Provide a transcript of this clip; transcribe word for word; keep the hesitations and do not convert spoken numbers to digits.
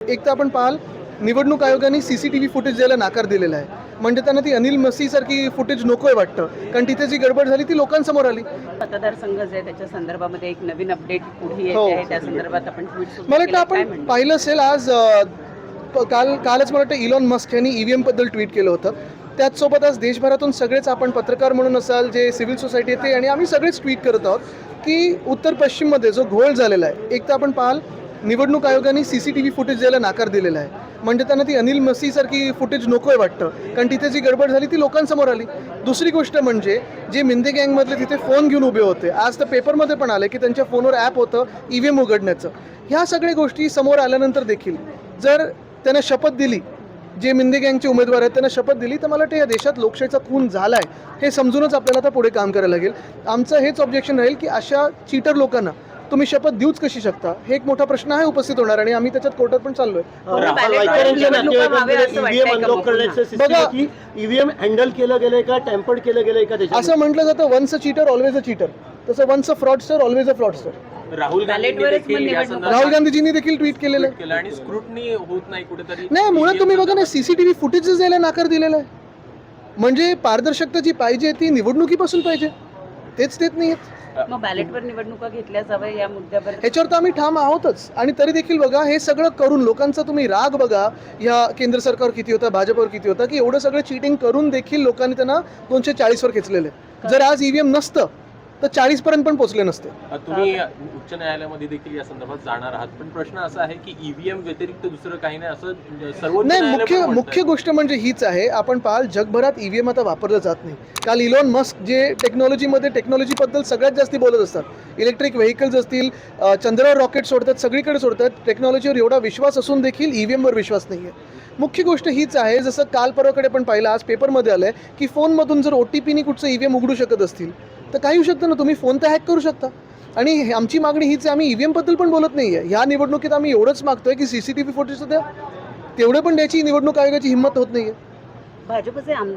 एक तर आपण पाहाल निवडणूक आयोगाने C C T V footage द्यायला नाकार दिलेला आहे. म्हणजे त्यांना ती अनिल मसीसारखी फुटेज नको आहे वाटतं, कारण तिथे जी गडबड झाली ती लोकांसमोर आली. मतदारसंघ जे आहे त्याच्या संदर्भामध्ये एक नवीन अपडेट पुढे हो. येते आहे, त्या संदर्भात आपण ट्विट मला वाटतं आपण पाहिलं असेल आज अ, प- काल कालच मला वाटतं इलॉन मस्क यांनी ई व्ही एमबद्दल ट्विट केलं होतं. त्याचसोबत आज देशभरातून सगळेच आपण पत्रकार म्हणून असाल, जे सिव्हिल सोसायटी येते आणि आम्ही सगळेच ट्विट करत आहोत की उत्तर पश्चिममध्ये जो घोळ झालेला आहे, एक तर आपण पाहाल निवडणूक आयोगाने C C T V footage द्यायला नाकार दिलेला आहे. म्हणजे त्यांना ती अनिल मसीसारखी फुटेज नको आहे वाटतं, कारण तिथे जी गडबड झाली ती लोकांसमोर आली. दुसरी गोष्ट म्हणजे जे मिंदे गँगमधले तिथे फोन घेऊन उभे होते, आज तर पेपरमध्ये पण आले की त्यांच्या फोनवर ॲप होतं ई व्ही एम उघडण्याचं. ह्या सगळ्या गोष्टी समोर आल्यानंतर देखील जर त्यांना शपथ दिली, जे मिंदे गँगचे उमेदवार आहेत त्यांना शपथ दिली, तर मला वाटतं या देशात लोकशाहीचा खून झाला आहे हे समजूनच आपल्याला आता पुढे काम करायला लागेल. आमचं हेच ऑब्जेक्शन राहील की अशा चीटर लोकांना तुम्ही शपथ देऊच कशी शकता, हे एक मोठा प्रश्न आहे उपस्थित होणार आणि आम्ही त्याच्यात कोर्टात पण चाललोय. बघा ईव्हीएम हँडल केलं गेलंय का, टॅम्पर्ड केलं गेलंय का, असं म्हटलं जातं once a cheater always a cheater, तसं once a fraudster always a fraudster. Rahul Rahul गांधीजींनी देखील ट्विट केलेलं आहे आणि स्क्रुटनी होत नाही कुठेतरी. नाही, मुळात तुम्ही बघा ना, सीसीटीव्ही फुटेजेस द्यायला नाकार दिलेला आहे. म्हणजे पारदर्शकता जी पाहिजे ती निवडणुकीपासून पाहिजे, तेच देत नाही आहेत. मग बॅलेटवर निवडणुका घेतल्या जाव्या या मुद्द्यावर ह्याच्यावर तर आम्ही ठाम आहोतच. आणि तरी देखील बघा, हे सगळं करून लोकांचा तुम्ही राग बघा या केंद्र सरकारवर किती होता, भाजपवर किती होता, की एवढं सगळं चिटिंग करून देखील लोकांनी त्यांना दोनशे चाळीसवर खेचलेलं आहे. जर आज ईव्हीएम नसतं तर चाळीस पर्यंत पण पोहोचले नसते. तुम्ही उच्च न्यायालयामध्ये देखील या संदर्भात जाणार आहात, पण प्रश्न असा आहे की ईव्हीएम व्यतिरिक्त दुसरं काही नाही असं सर्वोच्च नाही, न्यायालय मुख्य पण म्हणतंय. मुख्य गोष्ट म्हणजे हीच आहे. आपण पाहाल जगभरात ईव्हीएम आता वापरलं जात नाही. काल इलॉन मस्क जे टेक्नॉलॉजीमध्ये टेक्नॉलॉजीबद्दल सगळ्यात जास्ती बोलत असतात, इलेक्ट्रिक व्हेकल्स असतील, अ, चंद्रावर रॉकेट सोडतात, सगळीकडे सोडतात, टेक्नॉलॉजीवर एवढा विश्वास असून देखील ईव्हीएमवर विश्वास नाही आहे. मुख्य गोष्ट हीच आहे, जसं काल परवाकडे पण पाहिलं, आज पेपरमध्ये आलं आहे की फोनमधून जर ओ टी पीनी कुठचं ईव्हीएम उघडू शकत असतील तर काही होऊ शकतं ना, तुम्ही फोन तर हॅक करू शकता. आणि हे- आमची मागणी हीच आहे, आम्ही ईव्हीएमबद्दल पण बोलत नाही आहे. ह्या निवडणुकीत आम्ही एवढंच मागतोय की C C T V footage द्या, तेवढे पण द्यायची निवडणूक आयोगाची हिंमत होत नाही आहे. भाजपचे आमदार